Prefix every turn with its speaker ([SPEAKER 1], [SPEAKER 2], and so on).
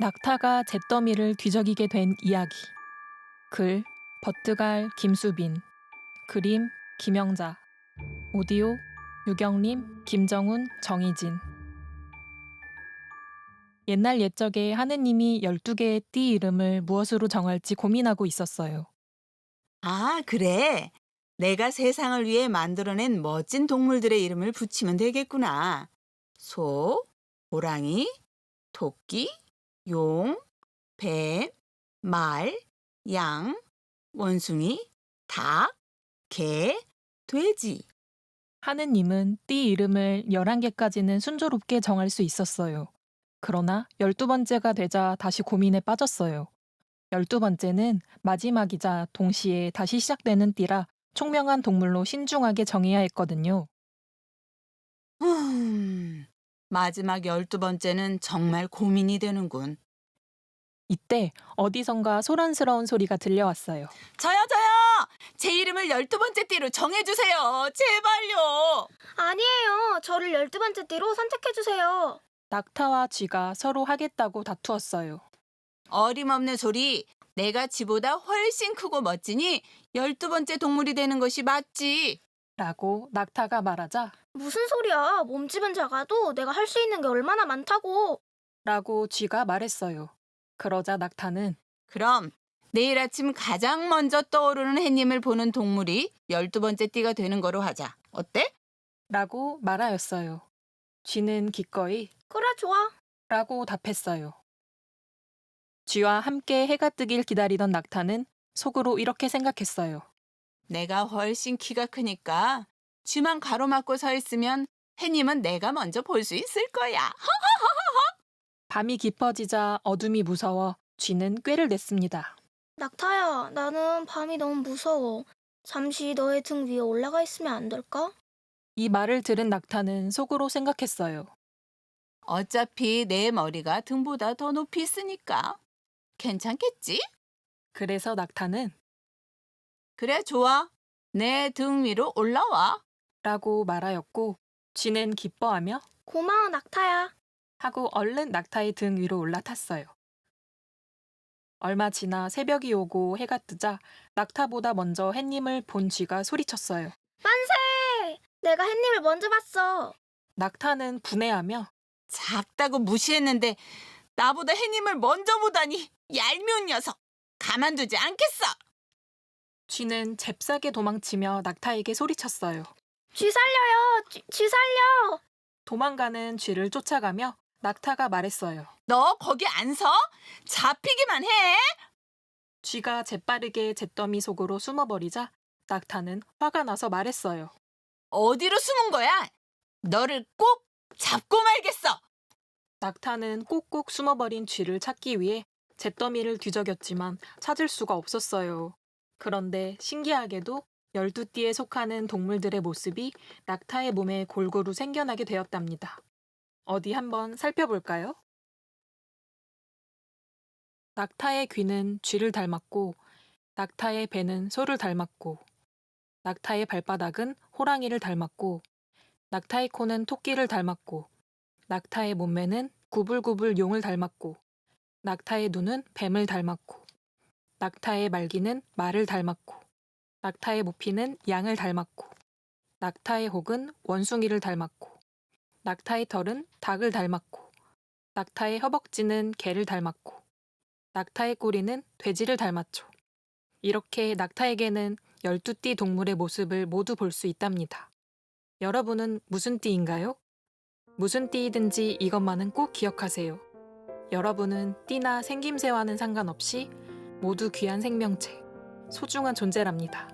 [SPEAKER 1] 낙타가 잿더미를 뒤적이게 된 이야기. 글 버트갈 김수빈. 그림 김영자. 오디오 유경림, 김정훈, 정희진. 옛날 옛적에 하느님이 12개의 띠 이름을 무엇으로 정할지 고민하고 있었어요.
[SPEAKER 2] 아, 그래. 내가 세상을 위해 만들어낸 멋진 동물들의 이름을 붙이면 되겠구나. 소, 호랑이, 토끼, 용, 뱀, 말, 양, 원숭이, 닭, 개, 돼지.
[SPEAKER 1] 하느님은 띠 이름을 11개까지는 순조롭게 정할 수 있었어요. 그러나 12번째가 되자 다시 고민에 빠졌어요. 12번째는 마지막이자 동시에 다시 시작되는 띠라 총명한 동물로 신중하게 정해야 했거든요.
[SPEAKER 2] 마지막 12번째는 정말 고민이 되는군.
[SPEAKER 1] 이때 어디선가 소란스러운 소리가 들려왔어요.
[SPEAKER 2] 저요! 제 이름을 12번째 띠로 정해주세요. 제발요.
[SPEAKER 3] 아니에요. 저를 12번째 띠로 선택해주세요.
[SPEAKER 1] 낙타와 쥐가 서로 하겠다고 다투었어요.
[SPEAKER 2] 어림없는 소리. 내가 쥐보다 훨씬 크고 멋지니 12번째 동물이 되는 것이 맞지.
[SPEAKER 1] 라고 낙타가 말하자
[SPEAKER 3] 무슨 소리야. 몸집은 작아도 내가 할 수 있는 게 얼마나 많다고.
[SPEAKER 1] 라고 쥐가 말했어요. 그러자 낙타는
[SPEAKER 2] 그럼 내일 아침 가장 먼저 떠오르는 햇님을 보는 동물이 12번째 띠가 되는 거로 하자. 어때?
[SPEAKER 1] 라고 말하였어요. 쥐는 기꺼이
[SPEAKER 3] 그래, 좋아.
[SPEAKER 1] 라고 답했어요. 쥐와 함께 해가 뜨길 기다리던 낙타는 속으로 이렇게 생각했어요.
[SPEAKER 2] 내가 훨씬 키가 크니까 쥐만 가로막고 서 있으면 햇님은 내가 먼저 볼 수 있을 거야.
[SPEAKER 1] 밤이 깊어지자 어둠이 무서워 쥐는 꾀를 냈습니다.
[SPEAKER 3] 낙타야, 나는 밤이 너무 무서워. 잠시 너의 등 위에 올라가 있으면 안 될까?
[SPEAKER 1] 이 말을 들은 낙타는 속으로 생각했어요.
[SPEAKER 2] 어차피 내 머리가 등보다 더 높이 있으니까 괜찮겠지?
[SPEAKER 1] 그래서 낙타는
[SPEAKER 2] 그래, 좋아. 내 등 위로 올라와.
[SPEAKER 1] 라고 말하였고 쥐는 기뻐하며
[SPEAKER 3] 고마워, 낙타야.
[SPEAKER 1] 하고 얼른 낙타의 등 위로 올라탔어요. 얼마 지나 새벽이 오고 해가 뜨자 낙타보다 먼저 햇님을 본 쥐가 소리쳤어요.
[SPEAKER 3] 만세! 내가 햇님을 먼저 봤어.
[SPEAKER 1] 낙타는 분해하며
[SPEAKER 2] 작다고 무시했는데 나보다 햇님을 먼저 보다니 얄미운 녀석. 가만두지 않겠어.
[SPEAKER 1] 쥐는 잽싸게 도망치며 낙타에게 소리쳤어요.
[SPEAKER 3] 쥐 살려요! 쥐 살려!
[SPEAKER 1] 도망가는 쥐를 쫓아가며 낙타가 말했어요.
[SPEAKER 2] 너 거기 안 서? 잡히기만 해.
[SPEAKER 1] 쥐가 재빠르게 잿더미 속으로 숨어버리자 낙타는 화가 나서 말했어요.
[SPEAKER 2] 어디로 숨은 거야? 너를 꼭 잡고 말겠어.
[SPEAKER 1] 낙타는 꼭꼭 숨어버린 쥐를 찾기 위해 잿더미를 뒤적였지만 찾을 수가 없었어요. 그런데 신기하게도 12띠에 속하는 동물들의 모습이 낙타의 몸에 골고루 생겨나게 되었답니다. 어디 한번 살펴볼까요? 낙타의 귀는 쥐를 닮았고, 낙타의 배는 소를 닮았고, 낙타의 발바닥은 호랑이를 닮았고, 낙타의 코는 토끼를 닮았고, 낙타의 몸매는 구불구불 용을 닮았고, 낙타의 눈은 뱀을 닮았고, 낙타의 말기는 말을 닮았고, 낙타의 모피는 양을 닮았고, 낙타의 혹은 원숭이를 닮았고, 낙타의 털은 닭을 닮았고, 낙타의 허벅지는 개를 닮았고, 낙타의 꼬리는 돼지를 닮았죠. 이렇게 낙타에게는 12띠 동물의 모습을 모두 볼 수 있답니다. 여러분은 무슨 띠인가요? 무슨 띠이든지 이것만은 꼭 기억하세요. 여러분은 띠나 생김새와는 상관없이 모두 귀한 생명체, 소중한 존재랍니다.